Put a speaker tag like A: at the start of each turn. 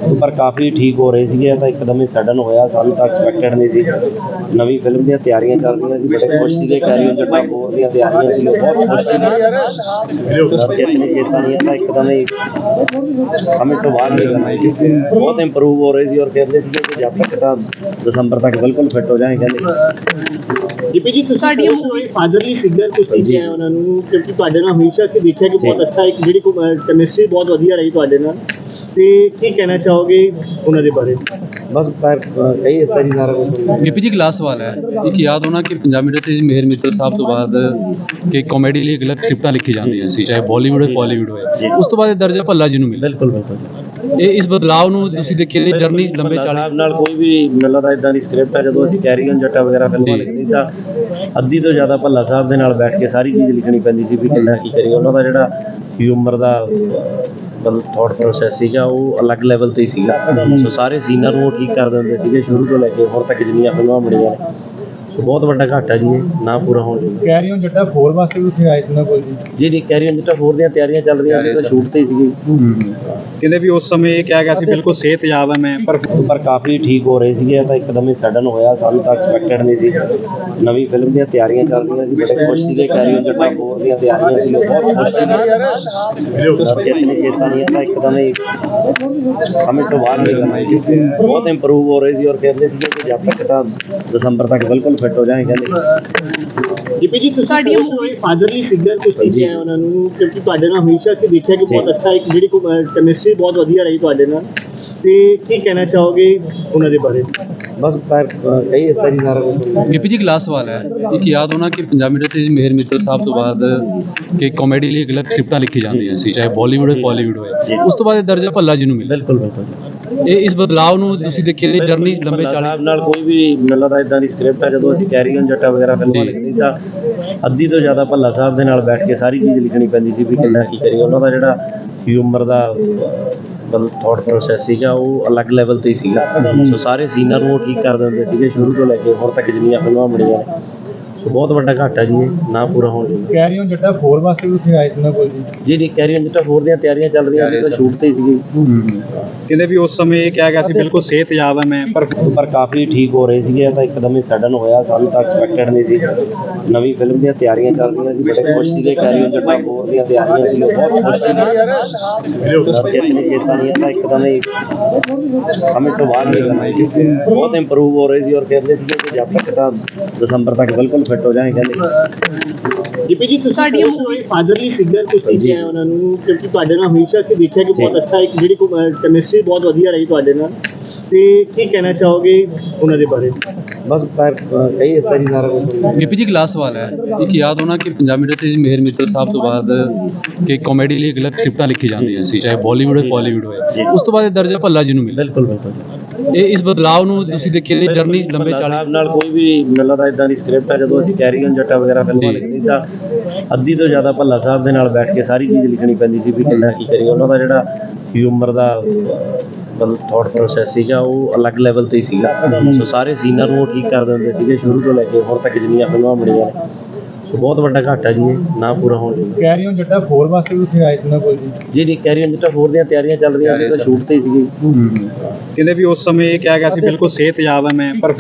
A: पर काफ़ी ठीक हो रहे थे तो एकदम ही सडन होया, सानू तो एक्सपैक्टेड नहीं थी। नवी फिल्म दी तैयारियां चल रही सी, बड़े खुश थे। कैरी ऑन जट्टा 4 दी तैयारियां सी, बहुत खुश थे। जितनी चेता नहीं आता एकदम ही समझ तो बाहर नहीं करना, क्योंकि बहुत इंप्रूव हो रहे थे और कहते थे कि जब तक तो दिसंबर तक बिल्कुल फिट हो जाए। कहते
B: ਦੀਪੀ ਜੀ ਤੁਸੀਂ ਫਾਦਰਲੀ ਫਿਗਰ ਤੁਸੀਂ ਕਿਹਾ ਉਹਨਾਂ ਨੂੰ, ਕਿਉਂਕਿ ਤੁਹਾਡੇ ਨਾਲ ਹਮੇਸ਼ਾ ਅਸੀਂ ਦੇਖਿਆ ਕਿ ਬਹੁਤ ਅੱਛਾ ਇੱਕ ਜਿਹੜੀ ਕੈਮਿਸਟਰੀ ਬਹੁਤ ਵਧੀਆ ਰਹੀ ਤੁਹਾਡੇ ਨਾਲ, ਤੇ ਕੀ ਕਹਿਣਾ ਚਾਹੋਗੇ ਉਹਨਾਂ ਦੇ ਬਾਰੇ?
A: बस कई इतना ही सारा कुछ।
C: गिपी जी लास्ट सवाल है, एक याद होना कि पंजाबी इंडस्ट्री मेहर मित्तल साहब तो बाद कि कॉमेडी लिए गलत स्क्रिप्टां लिखी जांदियां सी, चाहे बॉलीवुड हो बॉलीवुड हो, उस तो बाद दर्जा भल्ला जी नूं मिला।
A: बिल्कुल बिल्कुल
C: ये इस बदलाव नूं तुसीं देखिए ये जर्नी लंबे 40
A: ਨਾਲ ਕੋਈ ਵੀ ਮਿਲਦਾ ਇਦਾਂ ਦੀ ਸਕ੍ਰਿਪਟ ਹੈ। ਜਦੋਂ ਅਸੀਂ ਕੈਰੀ ਔਨ ਜੱਟਾ ਵਗੈਰਾ ਫਿਲਮਾਂ ਲਿਖਦੀ ਤਾਂ ਅੱਧੀ ਤੋਂ ਜ਼ਿਆਦਾ ਭੱਲਾ ਸਾਹਿਬ ਦੇ ਨਾਲ ਬੈਠ ਕੇ ਸਾਰੀ ਚੀਜ਼ ਲਿਖਣੀ ਪੈਂਦੀ ਸੀ ਵੀ ਕਿੰਨਾ ਕੀ ਕਰੀਏ। ਉਹਨਾਂ ਦਾ ਜਿਹੜਾ ਹਿਊਮਰ ਦਾ ਮਤਲਬ ਥਾਟ ਪ੍ਰੋਸੈਸ ਸੀਗਾ ਉਹ ਅਲੱਗ ਲੈਵਲ ਤੇ ਹੀ ਸੀਗਾ। ਸੋ ਸਾਰੇ ਸੀਨਾਂ ਨੂੰ ਉਹ ਠੀਕ ਕਰ ਦਿੰਦੇ ਸੀਗੇ ਸ਼ੁਰੂ ਤੋਂ ਲੈ ਕੇ ਹੁਣ ਤੱਕ ਜਿੰਨੀਆਂ ਫਿਲਮਾਂ ਬਣੀਆਂ ਨੇ। ਸੋ ਬਹੁਤ ਵੱਡਾ ਘਾਟਾ ਜੀ ਇਹ ਨਾ ਪੂਰਾ ਹੋਣ ਦੀ।
B: ਕੈਰੀ ਔਨ ਜੱਟਾ 4 ਵਾਸਤੇ ਵੀ ਉੱਥੇ ਆਏ ਸੀ ਨਾ ਕੋਲ
A: ਜੀ ਜੀ ਕੈਰੀ ਔਨ ਜੱਟਾ 4 ਦੀਆਂ ਤਿਆਰੀਆਂ ਚੱਲ ਰਹੀਆਂ ਸੀ, ਤਾਂ ਸ਼ੂਟ ਤੇ ਹੀ ਸੀਗੀ।
B: ਕਹਿੰਦੇ ਵੀ ਉਸ ਸਮੇਂ ਇਹ ਕਿਹਾ ਗਿਆ ਸੀ ਬਿਲਕੁਲ ਸਿਹਤਯਾਬ ਹੈ ਮੈਂ,
A: ਪਰ ਕਾਫੀ ਠੀਕ ਹੋ ਰਹੇ ਸੀਗੇ ਤਾਂ ਇੱਕਦਮ ਹੀ ਸਡਨ ਹੋਇਆ, ਸਾਨੂੰ ਤਾਂ ਐਕਸਪੈਕਟਡ ਨਹੀਂ ਸੀ। ਨਵੀਂ ਫਿਲਮ ਦੀਆਂ ਤਿਆਰੀਆਂ ਚੱਲ ਰਹੀਆਂ ਸੀ, ਬੜੇ ਖੁਸ਼ ਸੀਗੇ। ਕੈਰੀ ਔਨ ਜੱਟਾ 4 ਦੀਆਂ ਤਿਆਰੀਆਂ ਸੀ, ਬਹੁਤ ਖੁਸ਼ ਸੀਗੇ। ਜਿਤਨੀ ਚੇਤਾ ਨਹੀਂ आता एकदम ही समझ तो बाहर नहीं करना, क्योंकि बहुत इंप्रूव हो रहे थे और कहते थे कि जब तक तो दिसंबर तक बिल्कुल फिट हो जाए। कहते
B: ਦੀਪੀ ਜੀ ਤੁਸੀਂ ਫਾਦਰਲੀ ਫਿਗਰ ਤੁਸੀਂ ਕਿਹਾ ਉਹਨਾਂ ਨੂੰ, ਕਿਉਂਕਿ ਤੁਹਾਡੇ ਨਾਲ ਹਮੇਸ਼ਾ ਅਸੀਂ ਦੇਖਿਆ ਕਿ ਬਹੁਤ ਅੱਛਾ ਇੱਕ ਜਿਹੜੀ ਕੈਮਿਸਟਰੀ ਬਹੁਤ ਵਧੀਆ ਰਹੀ ਤੁਹਾਡੇ ਨਾਲ, ਤੇ ਕੀ ਕਹਿਣਾ ਚਾਹੋਗੇ ਉਹਨਾਂ ਦੇ ਬਾਰੇ?
A: बस कई इतना ही सारा कुछ।
C: गिपी जी लास्ट सवाल है, एक याद होना कि पंजाबी इंडस्ट्री मेहर मित्तल साहब तो बाद कि कॉमेडी लिए गलत स्क्रिप्टां लिखी जांदियां सी, चाहे बॉलीवुड हो बॉलीवुड हो, उस तो बाद दर्जा भल्ला जी नूं मिला।
A: बिल्कुल बिल्कुल
C: ये इस बदलाव नूं तुसीं देखिए ये जर्नी लंबे 40
A: ਨਾਲ ਕੋਈ ਵੀ ਮਿਲਦਾ ਇਦਾਂ ਦੀ ਸਕ੍ਰਿਪਟ ਹੈ। ਜਦੋਂ ਅਸੀਂ ਕੈਰੀ ਔਨ ਜੱਟਾ ਵਗੈਰਾ ਫਿਲਮਾਂ ਲਿਖਦੀ ਤਾਂ ਅੱਧੀ ਤੋਂ ਜ਼ਿਆਦਾ ਭੱਲਾ ਸਾਹਿਬ ਦੇ ਨਾਲ ਬੈਠ ਕੇ ਸਾਰੀ ਚੀਜ਼ ਲਿਖਣੀ ਪੈਂਦੀ ਸੀ ਵੀ ਕਿੰਨਾ ਕੀ ਕਰੀਏ। ਉਹਨਾਂ ਦਾ ਜਿਹੜਾ ਹਿਊਮਰ ਦਾ ਮਤਲਬ ਥਾਟ ਪ੍ਰੋਸੈਸ ਸੀਗਾ ਉਹ ਅਲੱਗ ਲੈਵਲ ਤੇ ਹੀ ਸੀਗਾ। ਸੋ ਸਾਰੇ ਸੀਨਾਂ ਨੂੰ ਉਹ ਠੀਕ ਕਰ ਦਿੰਦੇ ਸੀਗੇ ਸ਼ੁਰੂ ਤੋਂ ਲੈ ਕੇ ਹੁਣ ਤੱਕ ਜਿੰਨੀਆਂ ਫਿਲਮਾਂ ਬਣੀਆਂ ਨੇ। ਸੋ ਬਹੁਤ ਵੱਡਾ ਘਾਟਾ ਜੀ ਇਹ ਨਾ ਪੂਰਾ ਹੋਣ ਦੀ।
B: ਕੈਰੀ ਔਨ ਜੱਟਾ 4 ਵਾਸਤੇ ਵੀ ਉੱਥੇ ਆਏ ਸੀ ਨਾ ਕੋਲ
A: ਜੀ ਜੀ ਕੈਰੀ ਔਨ ਜੱਟਾ 4 ਦੀਆਂ ਤਿਆਰੀਆਂ ਚੱਲ ਰਹੀਆਂ ਸੀ, ਤਾਂ ਸ਼ੂਟ ਤੇ ਹੀ ਸੀਗੀ।
B: ਕਹਿੰਦੇ ਵੀ ਉਸ ਸਮੇਂ ਇਹ ਕਿਹਾ ਗਿਆ ਸੀ ਬਿਲਕੁਲ ਸਿਹਤਯਾਬ ਹੈ ਮੈਂ,
A: ਪਰ ਕਾਫੀ ਠੀਕ ਹੋ ਰਹੇ ਸੀਗੇ ਤਾਂ ਇੱਕਦਮ ਹੀ ਸਡਨ ਹੋਇਆ, ਸਾਨੂੰ ਤਾਂ ਐਕਸਪੈਕਟਡ ਨਹੀਂ ਸੀ। ਨਵੀਂ ਫਿਲਮ ਦੀਆਂ ਤਿਆਰੀਆਂ ਚੱਲ ਰਹੀਆਂ ਸੀ, ਬੜੇ ਖੁਸ਼ ਸੀਗੇ। ਕੈਰੀ ਔਨ ਜੱਟਾ 4 ਦੀਆਂ ਤਿਆਰੀਆਂ ਸੀ, ਬਹੁਤ ਖੁਸ਼ ਸੀਗੇ। ਜਿਤਨੀ ਚੇਤਾ ਨਹੀਂ आता एकदम ही समझ तो बाहर नहीं करना, क्योंकि बहुत इंप्रूव हो रहे थे और कहते थे कि जब तक तो दिसंबर तक बिल्कुल फिट हो जाए। कहते
B: ਦੀਪੀ ਜੀ ਤੁਸੀਂ ਫਾਦਰਲੀ ਫਿਗਰ ਤੁਸੀਂ ਕਿਹਾ ਉਹਨਾਂ ਨੂੰ, ਕਿਉਂਕਿ ਤੁਹਾਡੇ ਨਾਲ ਹਮੇਸ਼ਾ ਅਸੀਂ ਦੇਖਿਆ ਕਿ ਬਹੁਤ ਅੱਛਾ ਇੱਕ ਜਿਹੜੀ ਕੈਮਿਸਟਰੀ ਬਹੁਤ ਵਧੀਆ ਰਹੀ ਤੁਹਾਡੇ ਨਾਲ, ਤੇ ਕੀ ਕਹਿਣਾ ਚਾਹੋਗੇ ਉਹਨਾਂ ਦੇ ਬਾਰੇ?
A: बस कई इतना ही सारा कुछ।
C: गिपी जी लास्ट सवाल है, एक याद होना कि पंजाबी इंडस्ट्री मेहर मित्तल साहब तो बाद कि कॉमेडी लिए गलत स्क्रिप्टां लिखी जांदियां सी, चाहे बॉलीवुड हो बॉलीवुड हो, उस तो बाद दर्जा भल्ला जी नूं मिला।
A: बिल्कुल बिल्कुल
C: ये इस बदलाव नूं तुसीं देखिए ये जर्नी लंबे 40
A: ਨਾਲ ਕੋਈ ਵੀ ਮਿਲਦਾ ਇਦਾਂ ਦੀ ਸਕ੍ਰਿਪਟ ਹੈ। ਜਦੋਂ ਅਸੀਂ ਕੈਰੀ ਔਨ ਜੱਟਾ ਵਗੈਰਾ ਫਿਲਮਾਂ ਲਿਖਦੀ ਤਾਂ ਅੱਧੀ ਤੋਂ ਜ਼ਿਆਦਾ ਭੱਲਾ ਸਾਹਿਬ ਦੇ ਨਾਲ ਬੈਠ ਕੇ ਸਾਰੀ ਚੀਜ਼ ਲਿਖਣੀ ਪੈਂਦੀ ਸੀ ਵੀ ਕਿੰਨਾ ਕੀ ਕਰੀਏ। ਉਹਨਾਂ ਦਾ ਜਿਹੜਾ ਹਿਊਮਰ ਦਾ ਮਤਲਬ ਥਾਟ ਪ੍ਰੋਸੈਸ ਸੀਗਾ ਉਹ ਅਲੱਗ ਲੈਵਲ ਤੇ ਹੀ ਸੀਗਾ। ਸੋ ਸਾਰੇ ਸੀਨਾਂ ਨੂੰ ਉਹ ਠੀਕ ਕਰ ਦਿੰਦੇ ਸੀਗੇ ਸ਼ੁਰੂ ਤੋਂ ਲੈ ਕੇ ਹੁਣ ਤੱਕ ਜਿੰਨੀਆਂ ਫਿਲਮਾਂ ਬਣੀਆਂ ਨੇ। ਸੋ ਬਹੁਤ ਵੱਡਾ ਘਾਟਾ ਜੀ ਇਹ ਨਾ ਪੂਰਾ ਹੋਣ ਦੀ।
B: ਕੈਰੀ ਔਨ ਜੱਟਾ 4 ਵਾਸਤੇ ਵੀ ਉੱਥੇ ਆਏ ਸੀ ਨਾ ਕੋਲ
A: ਜੀ ਜੀ ਕੈਰੀ ਔਨ ਜੱਟਾ 4 ਦੀਆਂ ਤਿਆਰੀਆਂ ਚੱਲ ਰਹੀਆਂ ਸੀ, ਤਾਂ ਸ਼ੂਟ ਤੇ ਹੀ ਸੀਗੀ।
B: ਕਹਿੰਦੇ ਵੀ ਉਸ ਸਮੇਂ ਇਹ ਕਿਹਾ ਗਿਆ ਸੀ ਬਿਲਕੁਲ ਸਿਹਤਯਾਬ ਹੈ ਮੈਂ, ਪਰ